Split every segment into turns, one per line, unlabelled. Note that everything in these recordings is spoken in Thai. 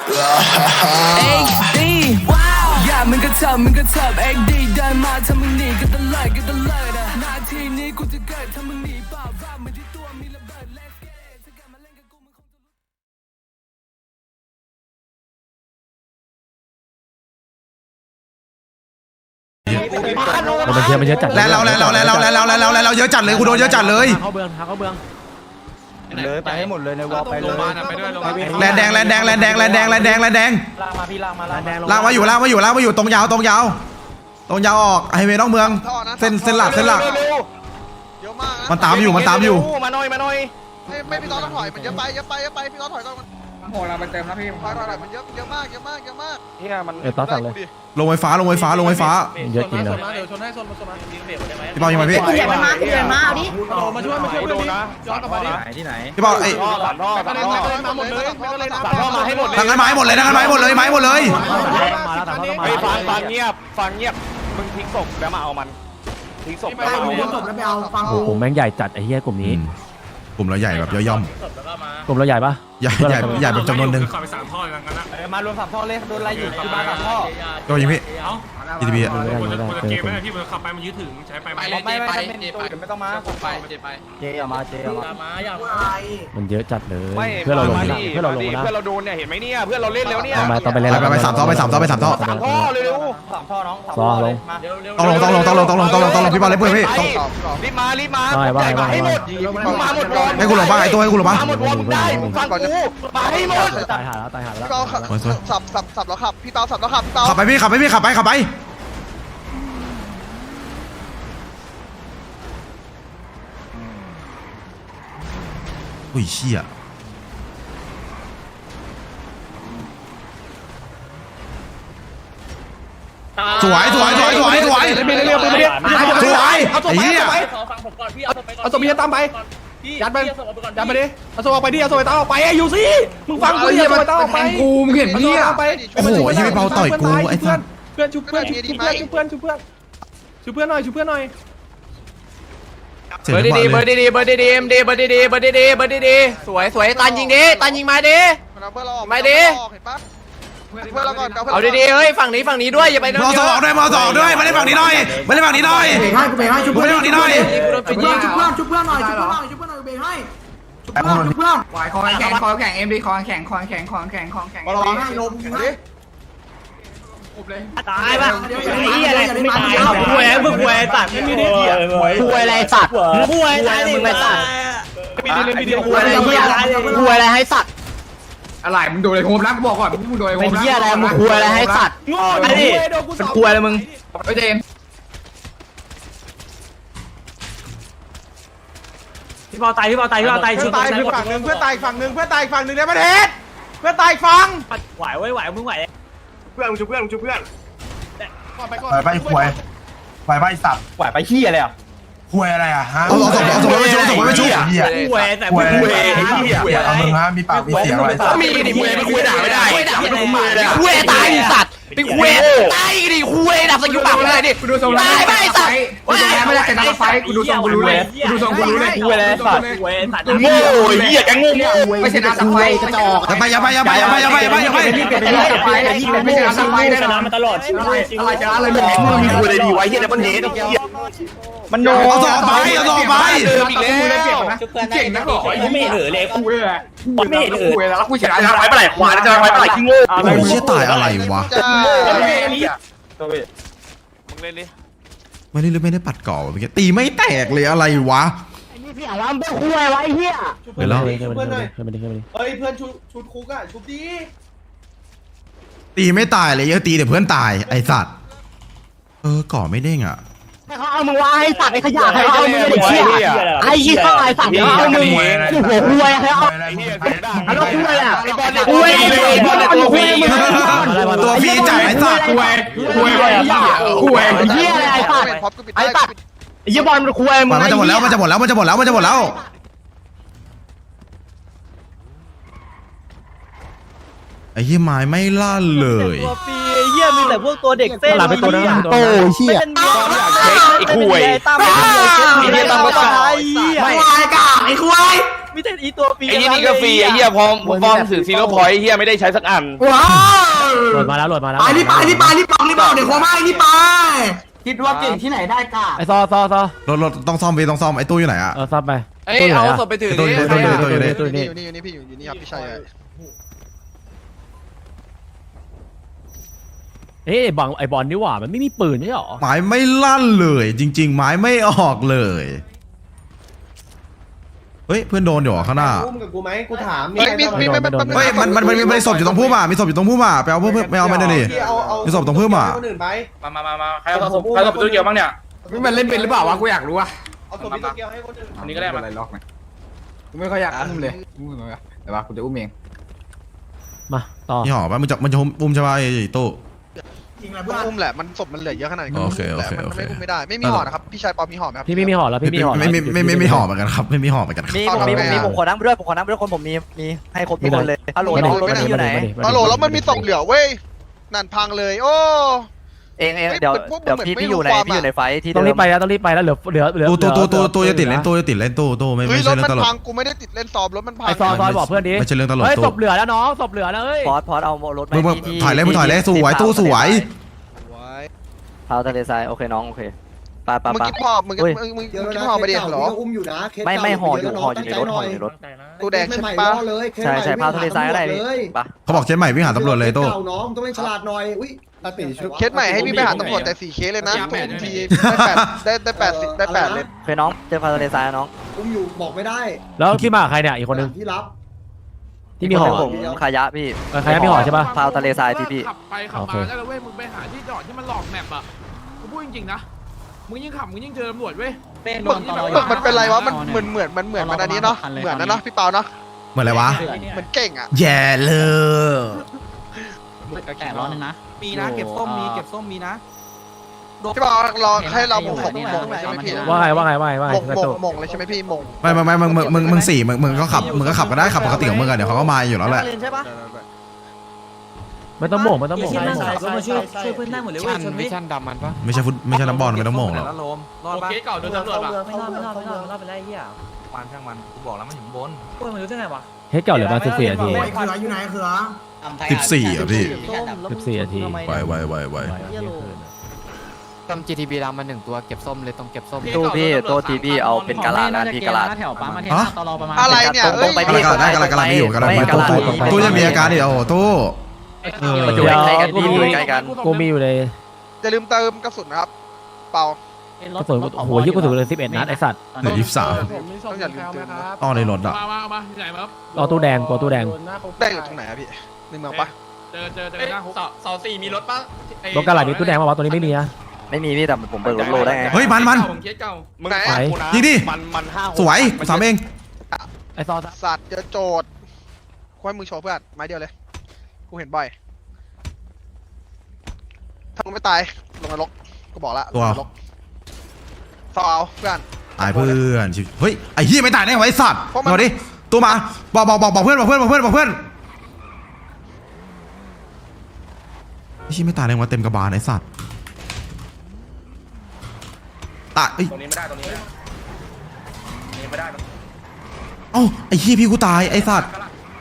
XD อย่ามึงก็เถิบ XD เดินมาถ้ามึงหนีก็ตะเลิดนาทีนี้กูจะเกิดถ้ามึงหนีเปล่าว่ามันที่ตัวมีระเบิด Let's get it ถ้ากลับมาเล่นกับกูมึงคงจะ
มันเยอะจัดแล้วเยอะจัดเลยกูโดนเยอะจัดเลยเขาเบือง
เลยไปให้หมดเลยในวอลไปเลย
แลนแดงลากมาอยู่ตรงยาวออกไฮเวย์นอกเมืองเส้นหลัก
เยอะมาก
มันตามอยู่
มาหน่อย
ไม่พี่ต้อนต้องถอยมันเยอะไปพี่ต้อนถอยก่อนมันโหเราไปเติมนะพี่ถอยมันเยอะมากเฮียมัน
ต่อสั่งเลยลงไฟฟ้าเยอะจริงนะ
เดี๋ยวชนให้ชนมา
พี่เปายังไงพี่
เดี๋ยวมาเอาดิ
มาช่วยเพื่อนนะย้อนกลับมาดิ
ที่ไหน
พี่เปาไอ้
มาหมดเลย
มาให้หมดเลย
ทางนั้นไม้หมดเลย
ฟังเงียบมึงทิ้งศพแล้วมาเอามันทิ้งศพแล้ว
ไปเอาฟัง
โอ้โหแม่งใหญ่จัดไอ้เหี้ยกลุ่มนี้กลุ่มเราใหญ่แบบย่อมกลุ่มเราใหญ่ปะใหญ่แบบจำนวนหนึ่ง
ขับไป3 ท่อกันนะ
มารวม3 ท่อเลยโดนไล่อยู่ที่บ้าน3 ท่อ
โดนยิงพี่ทีทีพีอ่ะ
เกมไม่ที่มันขับไปมันยืดถึงใช้ไป
ไม่ต้องมาเจเอามา
มันเยอะจัดเลยเพื่อเราลงนะ
เพื่อเราโดนเนี่ยเห็นไหมเนี่ยเพื่อเราเล่นแล้วเนี่ย
ต้องไปเล่นไป3 ท่อ3 ท่อ
เร็ว3 ท่อน้อง
ซ้อลงต้องลงพี่บอลเลยเพื่อนพี่
รีบมาให้หมดมาหมดก่อน
ให้กูลงบ้างไอ้ตัวให้กูลงบ้าง
มาหมดวอมได้ฟังกูมาให้หมด
ตายหาแล้ว
พี่เปาสับแล้วขับพี่เปาสับแล้วขับพี่เปา
ขับไปอุ้ยเชี่ยสวยไอ้เหี้ย
เอาตัวเมียตามไปยัดไปดิเอาตัวออกไปดิเอาตัวตาออกไปอยู่สิมึงฟังกูอย่าตัวตาออกไป
กูมึงเห็นพี่อ่ะ
โอ้โหไอ้เหี้ยเปาต่อยกูไอ้สัส
เพื่อนชุบเพื่อนหน่อยเบอร์ดีสวยตันยิงมาดิ
ไม่ดิเพื่อนเราก่อน
เอาดีๆเฮ้ยฝั่งนี้ด้วยอย่าไป
มอสองด้วยมาเล่นฝั่งนี้หน่อย
เบรกให้ชุบเพื่อนหน่อยเบรกให้ชุบเพื่อนไหวคอแข็งเอ็มดีคอแข็งรอให้ลมยิงดิ
ตายป่ะไอ้เหี้ยอะไรไม่ตายป่วยมึงป่วยสัตว์ไม่ได้เหี้ย
ป่วยอะไรสัตว์
ป่วยตายมึงไม่สัตว์
ไม่ดีป่วยอะไรเหี้ยป่วยอะไรให้สัตว์อะไรมึงโดนอะไรโฮมนะกูบอกก่อนมึงโดนอะไรโฮมนะเป็นเหี้ยอะไรมึงป่วยอะไรให้สัตว์ไอ้ดิเป็นป่วยอะไรมึงไอ้เจน
พี่บอลตายชุดตาย
ฝั่งนึงเพื่อตายฝั่งนึงในประเทศเพื่อตายฟัง
ไหวมึงไหว
เพื่อนชุบเพื่อน
ไปควยไปสับ
ไหวไปขี้อะไรอ่ะ
ควยอะไรอ่ะฮะ
เอาส่งไปชุบ
ป่วยแต่ป่วย
เอามึงฮะมีปากมีเสียงอะไร
มีดิป่วยด่าไม่ได้
ป่วยตายสัตว์เป็นป่วยตายดิป่วยดับสกิลปากเลยดิตายไปสัตว์ไม่ได้แต่นักไฟกูดูทรงกูรู้เลย
ป่วยอะไรสัตว์
โง่เหี้ยแกงโง่
ไม่ใช่นักไฟกระจอก
อย่าไปไม่ใช่นักไฟ
ได้นะ
มาตลอด
อะไรจะอะไรมึง
มีป่วยอะไรดีไว้เหี้ยในประเทศ
มันโดนเอาต่อไป
อีกแล้ว
เก่งนักหรอ
ไม่เหลือเลย
กูเลย
ไม่เหลือ
แล้วกูชนะ
จะไว้ปลายขวาจะไว้ปลายขี้โง่
โอ้ยเชี่ยตายอะไรวะ
มึงเล่นดิ
ไม่ได้ปัดก่อเมื่อกี้ตีไม่แตกเลยอะไรวะ
ไอ้นี่พี่อารัมเป็นคุยไว้เฮีย
เดี๋ยวแล้ว
เฮ้ยเพื่อนชุดคุกอ่ะชุดดี
ตีไม่ตายเลยเยอะตีแต่เพื่อนตายไอสัตว์ก่อไม่เด้งอ่ะ
เขาเอามึงว่าให้สัตว์ไอ้ขยะเขาเอามึงไอ้เชี่ยไอ้ยี่ห้อไอ้สัตว์เขาเอามึงหัวคุยเขาเอาแล้วคุยอ่ะคุย
ตัวพี่จ่ายไอ้สัตว์
คุยเฮียอะไรไอ้สัตว์ไอ้สัตว์ไอ้ยี่บอลมันคุยมึง
มันจะหมดแล้วไอ้เหี้ยไม้ไม่ลั่นเลย
ตัวปีไอ้เหี้ยมีแต่พวกตัวเด็กเส้น
หลับไปตัวนั้นโตเชี่ย
ไอ้คุย
ไอ้เหี้ยตั้มก็ตาย
ไม่ไอ้กาไอ้คุย
มีแต่อีตัวฟรี
ไอ้นี่ก็ฟรีไอ้เหี้ยพอถือซีโร่พอยต์ไอ้เหี้ยไม่ได้ใช้สักอัน
ว้าว
โหลดมาแล้วโหลดมาแล้ว
ไปนี่บอกเดี๋ยวโคม่านี่ไป
คิดว่าเก่งที่ไหนได้กะ
ไอ้ซอ
รถต้องซ่อมไปต้องซ่อมไอ้ตู้อยู่ไหนอะ
ซับไป
เอ้ยเอาศพไปถือ
ตู้อยู่ไหนตู้อยู่ไหน
ตู้
นี่
นี่
อยู่นี่พี่อยู่นี่ครับพี่ชัย
เอ้ยไอ้บอลนี่หว่ามันไม่มีปืนใช่หรอ
หมายไม่ลั่นเลยจริงๆหมายไม่ออกเลยเฮ้ยเพื่อนโดนอยู่ข้างหน้า
อุ้มกับกูไหมกูถาม
เฮ้ยมันมีศพอยู่ตรงพุ่มอ่ะมีศพอยู่ตรงพุ่มอ่ะไปเอาเพิ่มไม่เอาไม่ได้ดิมีศพตรงพุ่มอ่ะ
คนอื่นไป
มาใครเอาศพตู้เกี่ยวบ้างเนี่ย
มันเล่นเป็นหรือเปล่าวะกูอยากรู้อะ
เอาตัวพี่ตัวเกียวให้คนอื่น
อันนี้ก็ได้มา
อะไรล็อกไหมกูไม่ค่อยอยากอุ้มเลยแต่ว่ากูจะอุ้มเอง
มาต่อ
นี่หอป่ะมันจะอุ้มใช่ป่ะไอ้ตู้
มันอุ้มแหละมันศพมันเหลือเยอะขนาดนี้
โอเค
มันไม่อุ้มไม่ได้ไม่มีห่อนะครับพี่ชัยปอมีห่อไหมครับ
พี่ไม่มีห่อแล้วพี่มีห่อ
ไม่หอเหมือนกันครับไม่มีหอเหมือนกันครับ
มีผมขอน้ำด้วยคนผมมีให้ครบทุกคนเลยฮัลโหลน้องรถอยู่ไหน
ฮัลโหลแล้วมันมีศพเหลือเว้ยนั่นพังเลยโอ้
เองเดี๋ยวพี่อยู่ในไฟที่
ต้องรีบไปแล้วเหลือ
ตู้จะติดเล่นตู้ไม่
เฮ้ย
ใช่
รถ
เรื่อง
มั
ต
น
ลก
พังกูไม่ได้ติดเล่นซ้อมรถมันพัง
ไอ้ซอบอกเพื่อนดิ
ไม่ใช่เรื่องตลก
เฮ้ย
ตู้
ศพเหลือแล้วน้องศพเหลือแล้วเฮ้ย
พอสเอารถ
มึงถอยเลยสวยตู้สวย
พาวทะเลทรายโอเคน้องโอเคปะ
มึงกินห่อมึงกินห่อไปดิเหรอ
ไม่ห่ออยู่ในรถ
ตู้แดงใช่ปะ
ใช่พาวทะเลทรายก็ได้ปะ
เขาบอกเช็ดใหม่วิ่งหาตำรวจเลยตู้
น้องต้องเล่นฉลาดหน่อยอุ้ยตาตีชุด
เคสใหม่ให้พี่ไปหาตำรวจแต่4เคสเลยนะทุกทีได้8เลย
โอเคน้องเจอพาวทะเลทรายน้อง
อุ้มอยู่บอกไม่ได้
แล้วพี่มาใครเนี่ยอีกคนนึง
ที่รับ
ที่มีห่อ
ผมขายะพี่
ใครมีห่อใช่ป่ะ
พาวทะเลทรายพี่
ขับไปขับมาได้แล้วเว้ยมึงไปหาที่จอดที่มันหลอกแมปอ่ะกูพูดจริงๆนะมึงยิ่งขับมึงยิ่งเจอตำรวจเว้ย
มันเป็นไรวะมันเหมือนมันอันนี้เนาะเหมือนนะพี่เปาเนาะ
เหมือนอะไรวะ
เหมือนเก่งอ่ะ
แย่เลย
แต่ร้อนนึงนะ
มีนะเก็บส้มมีนะ
พี่เปารอให้เรามงเลยใช่ไหมพี่
ว่าไง
มงเลยใช่ไหมพี่มง
ไม่มึงสี่มึงก็ขับก็ได้ขับปกติของมึงอะเดี๋ยวเขาก็มาอยู่แล้วแหละ
ใช่ปะ
ไม่ต้องโม่ง
ช่วยเพื่อนได้หมดเลยเว้ยชนวิชั่นดำมันปะ
ไม่ใช่น้ำบอลไม่ต้องโม่งหรอก
โอเคเก่าโดนตำรวจป่ะ
ไม่รอดไปได้เหี้ย
มันช่างมันกูบอกแล้วมันอยู่บน
พวกมันรู้ได้ไงวะ
เฮ้ยเก่าเหลือมา14 นาที
เขืออยู่ไหนเขือ
14อ่ะพี่
14 นาที
ไว
ทำ GTB ดำมา1ตัวเก็บส้มเลยต้องเก็บส้ม
ตู้พี่ตัวทีพี่เอาเป็นกะลานะที่กะลา
แถวปั๊มมาเท
ฮะ
ตลอประมาณ
อะไรเนี่ย
ตรงไป
กำลังไม่อยู่ตู้จะมีอาการดิโอ้โหตู้
อยู่ใกล้กันพี่อยู่ใกล้กัน
กูมีอยู่เลย
อย่าลืมเติมกระสุนนะครับเปาก
ระสุนโอ้โหยิ่งกระสุนเลย11 นัดไอ้สัตว์
เหลือ23
ต้องอย่าลืมเติม
อ้อในรถอ่ะ
มาที่ไหนมาครับ
เอาตู้แดงตัวตู้แดง
ได้อยู่ตรงไหนอะพี่ในเมืองปะ
เจอหน้าคุกเสา4มีรถปะ
รถกระหล่ำมีตู้แดงมาวะตัวนี้ไม่มีนะ
ไม่มีพี่แต่ผมเบิกรถโลได้ไง
เฮ้ยมัน
เคสเก่ามึง
ยิงดิ
มัน5
สวยสามเอง
ไอ้ซอ
สัตว์เจอโจทย์ควยมือโชว์เพื่อนไม้เดียวเลยกูเห็นบ่อยถ้ามึงไม่ตายลงนรกกูบอกละลงนรกซอเอาเพื่อน
ตายเพื่อนเฮ้ยไอ้เหี้ยไม่ตายได้ไงไอ้สัตว์มาดิตัวมาบอกเพื่อนไอ้เหี้ยไม่ตายได้ไงวะเต็มกระบาลไอ้สัตว์ตาย
ตรงนี้ไม่ได้ตรงนี้ไม่ได้
เอ้าไอ้เหี้ยพี่กูตายไอ้สัตว์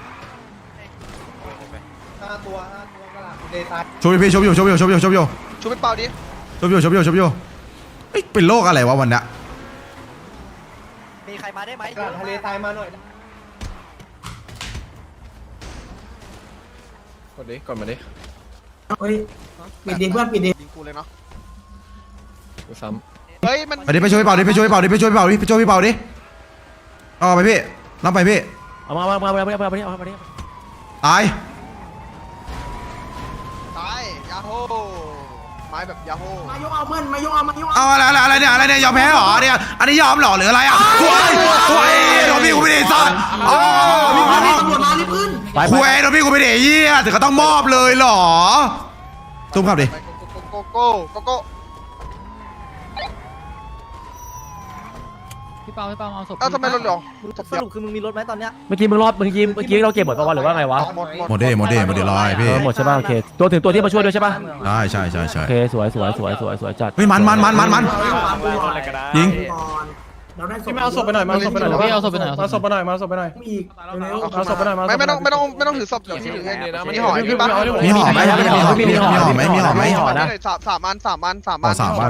5 ตัวกระลาเดทาย
ชมพี่ชมอยู่
ชูไปเปล่าดิ
เฮ้ยเป็นโรคอะไรวะวันเนี้ย
มีใครมาได้ไหม
กระลาทะเลทรายมาหน่อย
กดมาดิ
เฮ้ยปิดดิเพื่อนปิดดิ
ยิงกูเลยเนาะ
กูซ้
เฮ้ยมัน
ไปช่วยพี่เป่าดิเอาไปพี่รับไปพี่
เอามาดิ
ตาย
ตายยาโฮไม้แบบยาโฮ
มายกเอาเพื่อนมายกเอา
เอาอะไรเนี่ยยอมแพ้เหรอเนี่ยอันนี้ยอมเหรอหรืออะไรอ่ะคุยโดนพี่กูไม่ได้สัตว์อ๋อ
ตำรวจมารีบขึ้น
คุยโดนพี่กูไม่ได้เหี้ยถึงก็ต้องมอบเลยเหรอตุ้มครับดิ
ไปโก้
พี่เปาเอาศพ
เอ้าทำไมรถเหรอ
สรุปคือมึงมีรถไหมตอนเนี้ย
เมื่อกี้เราเก็บหมดป่าวหรือว่าไงวะ
หมดเดลอยพี่
หมดใช่ป่ะโอเคตัวถึงตัวที่มาช่วยด้วยใช่ป่ะ
ได้ใช่
โอเคสวยจัด
เฮ้ยมันยิง
เราได้
พี่มาเอาศพไปหน่อยมาเอาศพไปหน่อย
พี่เอาศพไปหน่อย
มาเอาศพไปหน่อยมาเอาศพไปหน่อย
อีกเร็ว
เอาศพไปหน่อยมา
ไม่ต้องถือศพเดี๋ยวพี่ถือให้มีห่อพี่ปะ
มีห่อไหมมีห่อไหมมีห่อไหมมีห่อไหม
สามอัน
ห่อ3 อัน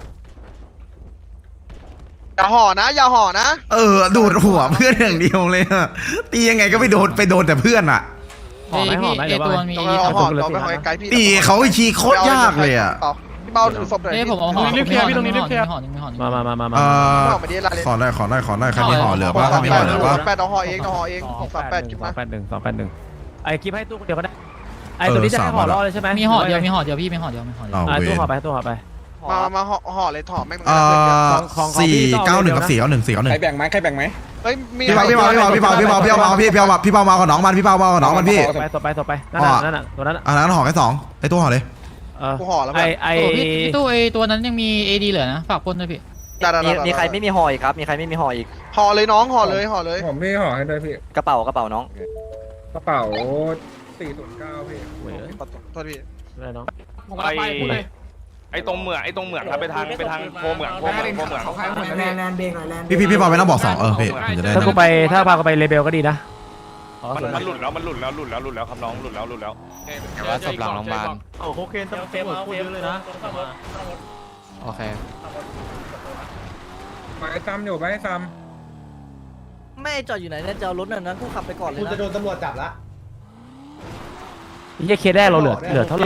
อย่าห่อนะอย่าห่อนะ
ดูดหัวเพื่อนอย่างเดียวเลยอะตียังไงก็ไปโดนแต่เพื่อนอะ
พี่ไอตัวมี
ต้องเอาห่อเราไปห่อไกลพี่
ตีเขาไอชีโคตรยากเลยอะ
พี่เบาถือศพหน่อย
ผมเอาห่อ
รีบเคลียร์พี่ตรงนี้รีบเคลียร์
ห่อหนึ่งห่อหนึ่ง
มา
ห่อมาดิลาเลย
ขอหน่อยใครมีห่อเหลือป่ะใครมีห่อเหลือป่ะ
8เอาห่อเอง638กินมา
ไอ้คลิปให้ตู้เดียวก็ได้ไอ้ตัวนี้จะให้ห่อรอเลยใช่ไหม
มีห่อเดียวพี่มีห่อเดียว
เอาเว
ตู้ห่อ
ร
ไปตู้ห่อไป
มาห่อเลยถอดแม่ง
491กับ491
ใครแบ่งไหม
เฮ้ยมี
พี่เปามากับน้องมันพี่เปามากับน้องมันพี่
ต่อไปนั่นน่ะตัวนั้น
อันนั้นห่อแค่2ไอตัวห่อเลย
กูห่อแล้ว
ไอ้
พี่ตู้ไอตัวนั้นยังมี AD เหลือนะฝากคนด้วยพี่
มีใครไม่มีห่ออีกครับมีใครไม่มีห่ออีก
ห่อเลยน้องห่อเลย
ผมพี่ห่อให้ด้วยพี่
กระเป๋าน้อง
กระเป๋า409พี่
โทษพี่
อะไรน้อง
ไอ้ตรงเหมืองครับไปทางโพเหมือง
แลนเบรกหน่อยแลน
พี่เปาไม่ต้องบอก2พี่ผมจะได้
ถ้าพากูไปเลเบลก็ดีนะ
มันหลุดแล้วครับน้องหลุดแล้ว
แต่ว่าศพหลังโรงพยาบาล
โอ้โหเคนตำรวจพูดเยอะเลยนะ
โอเค
ไปซ้ำอยู่ไปซ้
ไม่จอดอยู่ไหนเนี่ยจะเอารถนั้นกูขับไปก่อนเลย
คุณจะ
นะ
โดนตำรวจจับละ
ำยี่เคสแรกเราเหลือเท่าไหร่